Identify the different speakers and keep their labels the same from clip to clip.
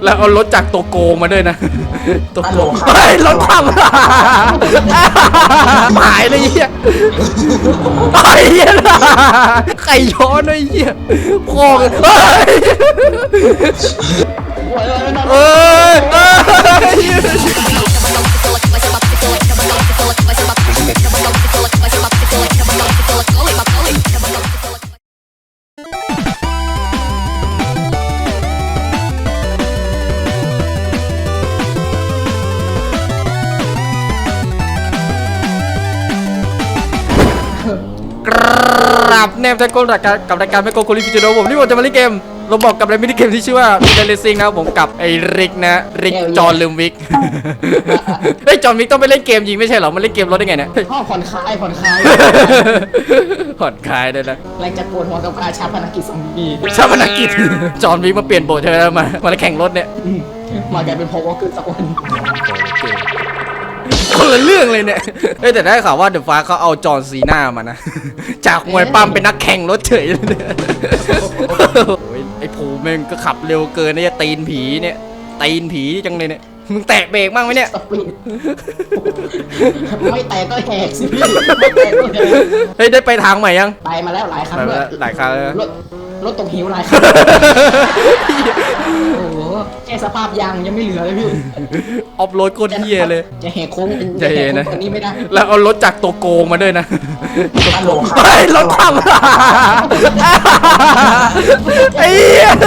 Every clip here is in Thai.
Speaker 1: แล้วเอารถจากตัวโกงมาด้วยนะตัวโกงรถทำหายเลยเหี้ยไอ้เหี้ยไก่ย้อนไอ้เหี้ยพ่อกันเอ้ครับแนมแท็กโกกับรายการแมโกโคลิฟิจิโนผมที่ผมจะมาเล่นเกมเราบอกกับในมินิเกมที่ชื่อว่าเรซิ่งนะครับผมกับไอ้ริกนะริกจอห์นลืมวิกเฮ้ยจอห์นวิกต้องไปเล่นเกมยิงไม่ใช่เหรอมันเล่นเกมรถได้ไงเนี่ย
Speaker 2: ผ่อนคลายผ่อนคลาย
Speaker 1: ผ่อนคลายได้นะ
Speaker 2: แรงจะปวดหัวกับการชาปนกิจซอมบี้
Speaker 1: ชาปนกิจจอห์นวิกมาเปลี่ยนโบสถ์ใช่ไหมมาแข่งรถเนี่ย
Speaker 2: มากลายเป็นพอวอลเกอร์สักวัน
Speaker 1: คนละเรื่องเลยเนี่ยแต่ได้ข่าวว่าเดอะฟ้าเขาเอาจอห์นซีน่ามานะจากมวยปั้มเป็นนักแข่งรถเฉยเลยไอ้ผูแม่งก็ขับเร็วเกินเนี่ยตีนผีเนี่ยตีนผีจังเลยเนี่ยมึงแตะเบรกบ้างไหมเนี่ย
Speaker 2: ไม่แตะก็แหกสิพี่
Speaker 1: เฮ้ยได้ไปทางใหม่ยัง
Speaker 2: ไปมาแล้วหลายครั้ง
Speaker 1: หลายครั้ง
Speaker 2: รถตกหิวหลายครั้งโอ้โหแค่สภาพยางยังไม่เหลือเลยพี่
Speaker 1: ออฟโรดโคตรเหี้ยเลย
Speaker 2: จะแหกโค้ง
Speaker 1: จะเห็นนะ
Speaker 2: ตัวนี้ไม่ได้
Speaker 1: แล้วเอารถจากตัวโกงมาด้วยนะรถทำไอ้เหี้ย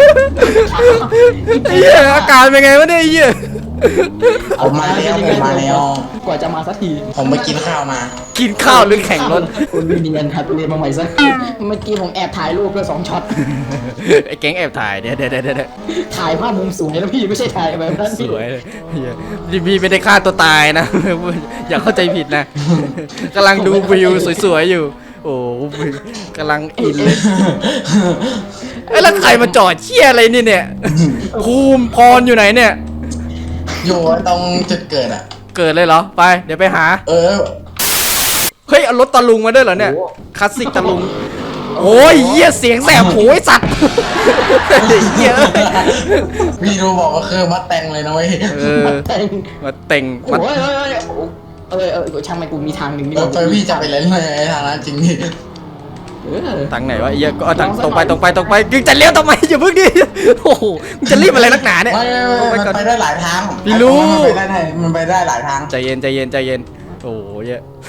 Speaker 1: อาการเป็นไงวะเนี่ยไอ้เหี้ย
Speaker 3: ผมมาแล้ว
Speaker 2: กว่าจะมาสักที
Speaker 3: ผมไปกินข้าวมา
Speaker 1: กินข้าวหรือแข่งรถ
Speaker 2: คุณวินยันครับเรียนมาใหม่สักเมื่อกี้ผมแอบถ่ายรูปเพื่อ2 ช็อต
Speaker 1: ไอ้แก๊งแอบถ่ายเดี๋ยว
Speaker 2: ถ่ายภาพมุมสูงแล้วพี่ไม่ใช่ถ่ายแบบนั้น
Speaker 1: สวยพี่ไม่ได้ฆ่าตัวตายนะอย่าเข้าใจผิดนะกำลังดูวิวสวยๆอยู่โอ้กำลังอินเลยแล้วใครมาจอดเชี่ยอะไรนี่เนี่ยภูมิพรอยู่ไหนเนี่ย
Speaker 3: อยู่ตรงจุดเกิดอ่ะ
Speaker 1: เกิดเลยเหรอไปเดี๋ยวไปหาเฮ้ยเอารถตะลุงมาด้วยเหรอเนี่ยคลาสสิกตะลุงโอ้ยเหี้ยเสียงแสบหูไอ้สัตว์เหี้ย
Speaker 3: พี่รู้บอกว่าคือมัดแต่งเลยนะเว้ย
Speaker 1: มาเต่ง
Speaker 2: ช่างมันกูมีทางหนึ่งนี่
Speaker 3: พี่จะไปเล่นในทางนั้นจริงดิ
Speaker 1: ทางไหนวะเหี้ยก็ทางตรงไปกึ่งจะเลี้ยวทำไมอย่าเพิ่งดิโอ้โหมึงจะรีบอะไรนักหนาเนี่ย
Speaker 3: มันไปได้หลายทาง
Speaker 1: พี่รู้
Speaker 3: มันไปได้หลายทาง
Speaker 1: ใจเย็นโอ้ย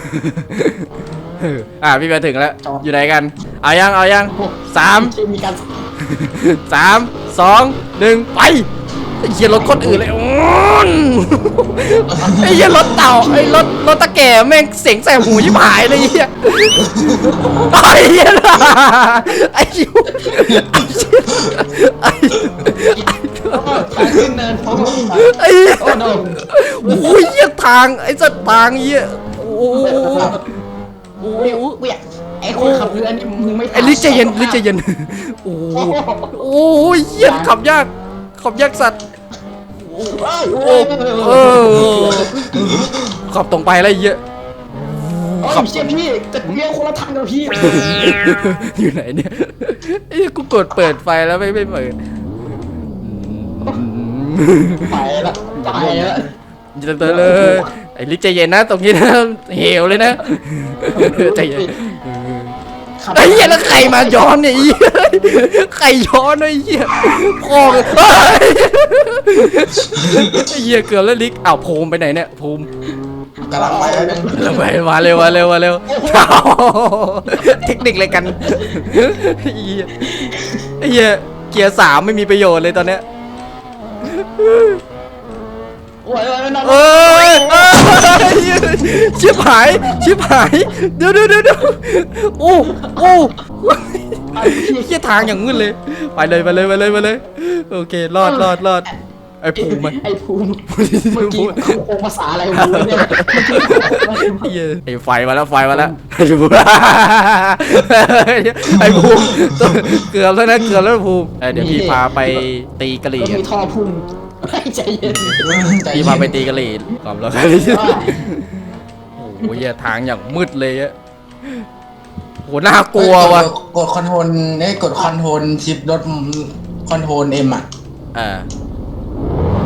Speaker 1: พี่มาถึงแล้วอยู่ไหนกันเอายัง3 2 1ไปเหี้ยรถคนอื่นเลยไอ้เหี้ยรถเต่าไอ้รถตะแก่แม่งเสียงแสบหูยิ่งหายเลยเหี้ยไอ้เหี้ยไอ้ยูไอ้โอ้ยเหี้ยทางไอ้สัตว์ทางเหี้ยโอ้
Speaker 2: ไอ้คนขับเรือนี่มึงไม่
Speaker 1: ไอ้ลิใจเย็นโอ้ยเหี้ยขับยากสัตว์ขับตรงไปอะไรเยอะ
Speaker 2: ขับเชี่ยพี่จะเลี้ยวคนละทางกับพี่
Speaker 1: อยู่ไหนเนี่ยไอ้กูกดเปิดไฟแล้วไม่เปิด
Speaker 2: ไปละ
Speaker 1: เลยไอ้ลิใจเย็นนะตรงนี้นะเหวเลยนะใจเย็นไอ้เหี้ยแล้วใครมาย้อนเนี่ยใครย้อนไอ้เหี้ยพ่อไอ้เหี้ยเกือบแล้วลิกอ้าวภูมิไปไหนเนี่ยภูมิ
Speaker 3: กำลังไป
Speaker 1: มาเร็วเทคนิคอะไรกันไอ้เหี้ยเกียร์3ไม่มีประโยชน์เลยตอนเนี้ยชิบหายเดี๋ยวโอ้เหี้ยทางอย่างมืดเลยไปเลยโอเครอดไอ้ภูมิเ
Speaker 2: มื่อกี้โคงภาษาอะไรวะ
Speaker 1: เนี่ยไอ้ไฟมาแล้วไอ้ภูมิเกือบแล้วภูมิเดี๋ยวพี่พาไปตีกะหรี่
Speaker 2: มีท่อพุ่งใจเย็น
Speaker 1: พี่พาไปตีกะหรี่ความร้อนโอ้ยทางอย่างมืดเลยอะโหน่ากลัวว่ะ
Speaker 3: กดคอนโทรลชิปรถคอนโทรลเอ็มอ่ะ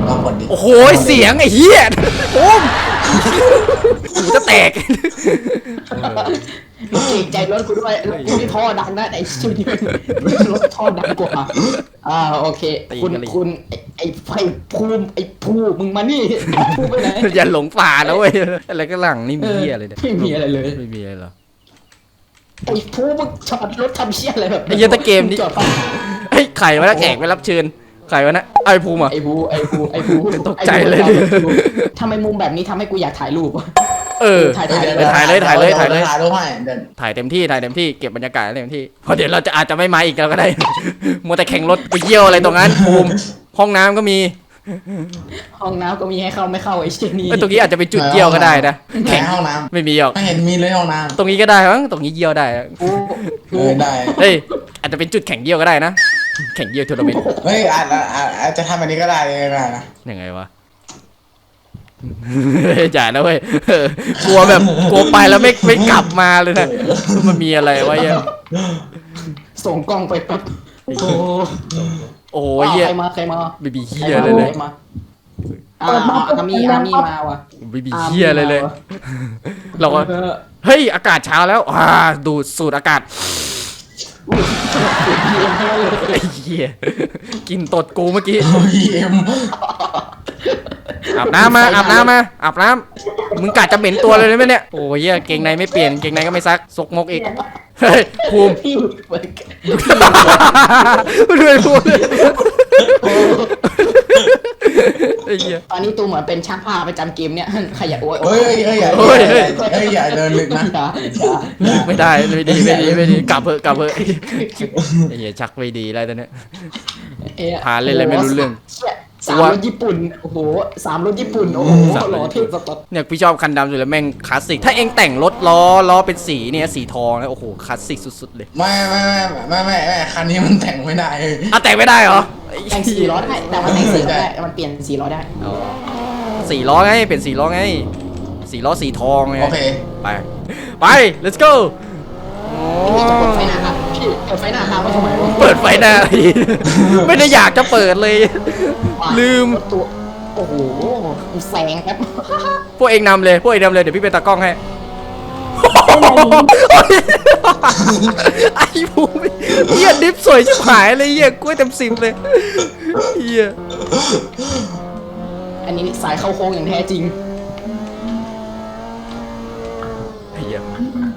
Speaker 3: ลองกดดิ
Speaker 1: โอ้โหเสียงไอ้เหี้ยโอ้มหูจะแตก
Speaker 2: เกรงใจรถกูด้วยรถกูที่ท่อดังนะไอ้ชิวนี่รถท่อดังกว่าโอเคคุณไอ้ไฟภูมิไอ้ภูมึงมานี่ภูไปไหน
Speaker 1: อย่าหลงป่านะเว้ยอะไรก็หลังนี่มีเหี้ยอะไรเนี่ย
Speaker 2: ไม่มีอะไรเลย
Speaker 1: ไม่มีอะไรหรอ
Speaker 2: ไอ้ภูมึงจอดรถทำเชี่ยอะไรแบบ
Speaker 1: ไอ้เหี้ยตะเกมนี้
Speaker 2: จอด
Speaker 1: เฮ้ยไข่วะนะแขกไปรับเชิญไข่วะนะไอ้ภูมิอ่ะ
Speaker 2: ไอ้ภู
Speaker 1: ตกใจเลย
Speaker 2: ทำไมมุมแบบนี้ทำให้กูอยากถ่ายรูป
Speaker 1: เออ
Speaker 2: ถ่าย
Speaker 1: ถ่ายเลยถ่ายเลยถ่ายเลย
Speaker 3: ถ่ายรูปให้เดิน
Speaker 1: ถ่ายเต็มที่เก็บบรรยากาศเต็มที่เพราะเดี๋ยวเราจะอาจจะไม่มาอีกแล้วก็ได้ มัวแต่แข่งรถไปเยี่ยวอะไรตรงนั้นภูมิห้องน้ำก็มี
Speaker 2: ห้องน้ำก็มีให้เข้าไม่เข้าไอ้เชี่ยนี่
Speaker 1: ตรงนี้อาจจะเป็นจุดเยี่ยวก็ได้นะ
Speaker 3: แข่งห้องน้
Speaker 1: ไม่มีหรอก
Speaker 3: ำไม่เห็นมีเลยห้องน้
Speaker 1: ตรงนี้ก็ได้มั้งตรงนี้เยี่ยวได้อะ
Speaker 3: ำได้
Speaker 1: เฮ้ยอาจจะเป็นจุดแข่งเยี่ยวก็ได้นะแข่งเยี่ยวทัวร์นาเมนต์
Speaker 3: เฮ้ยอาจจะทำอันนี้ก็ได้เลยนะ
Speaker 1: ยังไงวะ จ่ายนะเว้ยกลัวแบบกลัวไปแล้วไม่กลับมาเลยนะมันมีอะไรวะเนี่ย
Speaker 2: ส่งกล้องไปปั๊บโอ้โห
Speaker 1: โอ้ยเหี้ย
Speaker 2: ใครมา
Speaker 1: ไม่มีเหี้ยเลยเลย
Speaker 2: ใครมาอามีมาว่ะ
Speaker 1: ไม่มีเหี้ยเลยเลย เราก็เฮ้ยอากาศเช้าแล้วดูดสูดอากาศไอ้เหี้ยกินตดกูเมื่อกี้
Speaker 3: เอ็ม
Speaker 1: อาบน้ำมาอาบน้ำมึงกะจะเหม็นตัวเลยไหมเนี่ยโอ้ยเหี้ยเกงในไม่เปลี่ยนเกงในก็ไม่ซักซกมกอีกเฮ้ยภูมิ
Speaker 2: พี่
Speaker 1: ด้วยภูมิไอ้เหี้ย
Speaker 2: ตอนนี้ตูเหมือนเป็นช่างภาพประจำเกมเนี่ยขยันโอ้ย
Speaker 3: เฮ้ยอย่าเดินลึกนะ
Speaker 1: ไม่ได้ไม่ดีกลับเถอะไอ้เหี้ยชักไม่ดีแล้วตอนเนี้ย พาเล่นอะไรไม่รู้เรื่อง
Speaker 2: สามรถญี่ปุ่นโอ้โหสามรถญี่ปุ่นโอ้โหหล่อเท่สตอด
Speaker 1: เนี่ยพี่ชอบคันดำอยู่แล้วแม่งคลาสสิกถ้าเองแต่งรถล้อเป็นสีเนี่ยสีทองนะโอ้โหคลาสสิกสุดๆเลย
Speaker 3: ไม่คันนี้มันแต่งไม่ได้
Speaker 1: แต่งไม่ได้เหรอ
Speaker 2: แต่ง4 ล้อได้แต่มันแต่ง4 ล้อได้มันเปลี่ยน4 ล้อได้
Speaker 1: สี่ล้อไงเป็นสี่ล้อไงสี่ล้อสีทองไง
Speaker 3: โอเค
Speaker 1: ไป let's go
Speaker 2: จะเปิดไฟหน้าครับพี่เปิดไฟหน้าครับว่าทำไมวะ
Speaker 1: เปิดไฟหน้า ไม่ได้อยากจะเปิดเลย ลืม
Speaker 2: ตัวโอ้โหแสงครับ
Speaker 1: พวกเองนำเลยเดี๋ยวพี่เป็นตากล้องให้ ไอ้ภูมิเหี้ยดิฟสวยชิบหายเลยเหี้ยกล้วยเต็ม10เลยเหี้ย
Speaker 2: อันนี้สายเข้าโค้งอย่างแท้จริง
Speaker 1: ไอ้เหี้ย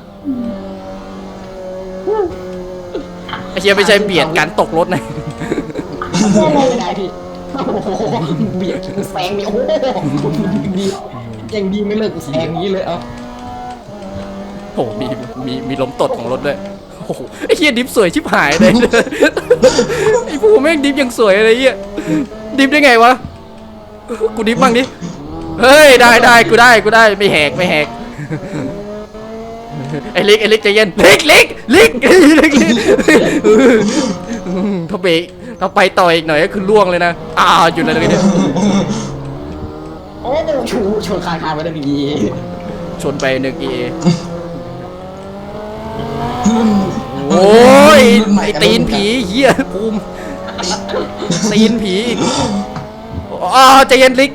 Speaker 1: ไม่ใช่เบียดการตกรถนะ
Speaker 2: ไม่ได้พี่โอ้โหเบียดแซงนี่โอ้โหดียังดีไม่เลิกแซงนี้เลยเอา
Speaker 1: โอ้โหมีล้มตดของรถด้วยโอ้โหไอ้เหี้ยดิฟสวยชิบหายเลย ไอ้ภูมิแม่งดิฟยังสวยเลยเหี้ยดิฟได้ไงวะกูดิฟบ้างดิเฮ้ยได้กูได้ไม่แหกไอ้ลิกใจเย็นลิกถ้าเบรกถ้าไปต่ออีกหน่อยก็คือล่วงเลยนะหยุดเลยเนี่ย
Speaker 2: โอ้ชนคางไปได้ดี
Speaker 1: ชนไป1 EA โอ้ยไอ้ตีนผีเหี้ยภูมิตีนผีใจเย็นลิก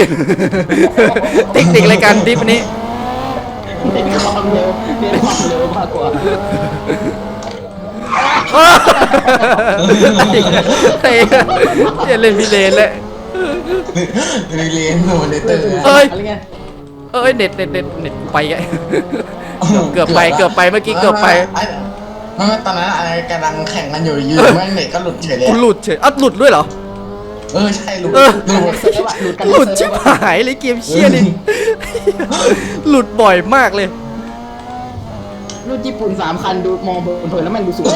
Speaker 1: ติ๊กรายการดิฟนี้
Speaker 2: เน้นความเร็วมากกว่า
Speaker 1: เฮ้ยเล่นพิเรนเลย
Speaker 3: เรียนโนเลเตอร์
Speaker 2: อะไรเงี้ย
Speaker 1: เน็ตไปไงเกือบไปเมื่อกี้เกือบไป
Speaker 3: ไม่ตอนนั้นอะไรกำลังแข่งกันอยู่แม่งเน็ตก็หลุดเฉยเลย
Speaker 1: กูหลุดเฉยหลุดด้วยเหรอ
Speaker 3: ใช่หลุด
Speaker 1: หลุดชิบหายเลยเกมเชี่ยนี่หลุดบ่อยมากเลย
Speaker 2: รุ่นญี่ปุ่น3 คันดูมองเผินแล้วมันดูสวย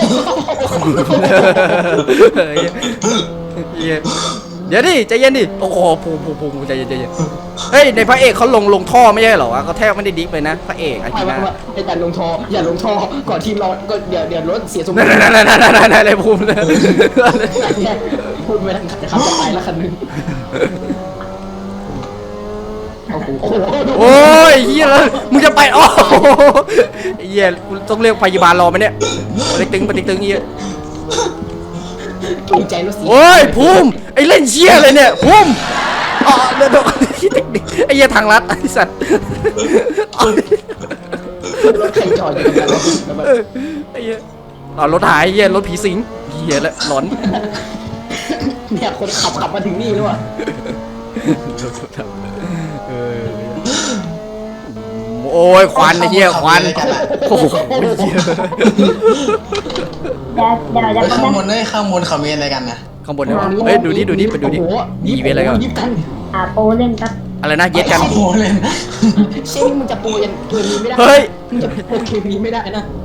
Speaker 1: เดี๋ยวดิใจเย็นดิโอ้โหภูมิใจเย็นเฮ้ยในพระเอกเขาลงท่อไม่ใช่เหรอวะเขาแทบไม่ได้ดิฟเลยนะพระเอกอา
Speaker 2: ไม่
Speaker 1: กินะ
Speaker 2: อย่าลงท่อก่อนทีมเราก็เดี๋ยวรถเสียสมดุล
Speaker 1: นั่นเลยภูมิเลย
Speaker 2: พูดไม่ทันจะขับจะไปแล้วคันนึงโอ้โห
Speaker 1: โอ้ยเฮียแล้วมึงจะไปโอ้เฮียต้องเรียกพยาบาลรอไหมเนี่ยปฏิตึงเฮีย
Speaker 2: เกรงใจรถสี
Speaker 1: โอ้ยภูมิไอเล่นเชี่ยเลยเนี่ยภูมิอ๋อเดินโดนไอ้เหี้ยทางลัดไอ้สัตว์
Speaker 2: รถใครจอดอยู่ตรงนั้นแล้วแบบ
Speaker 1: ไอ้เหี้ยเอารถหายไอ้เหี้ยรถผีสิงเหี้ยละหลอน
Speaker 2: เนี่ยคนขับมาถึงนี่แล้วอ่ะ
Speaker 1: เออโอ้ยควันไอ้เหี้ยควันโอ้โหเหี้ย
Speaker 4: เดี๋ยว
Speaker 3: ไป
Speaker 4: จะ
Speaker 3: ข้างบ
Speaker 4: มาน
Speaker 3: ข้างบนเขามีอะไรกันนะ
Speaker 1: ข้างบนเนี่ยเฮ้ยดูดิไปดูดิ
Speaker 2: โอ้โห
Speaker 1: อีเวนต์อะไรกัน
Speaker 2: ยิบกัน
Speaker 4: โปรเล่นครับ
Speaker 1: อะไรนะเย็ดกัน
Speaker 3: โอ้โหเล่น
Speaker 2: เช่นมึงจะโปรยันเกมนี้ไม่ได้
Speaker 1: เฮ้ย
Speaker 2: มึงจะโปรเกมนี้ไม่ได้นะ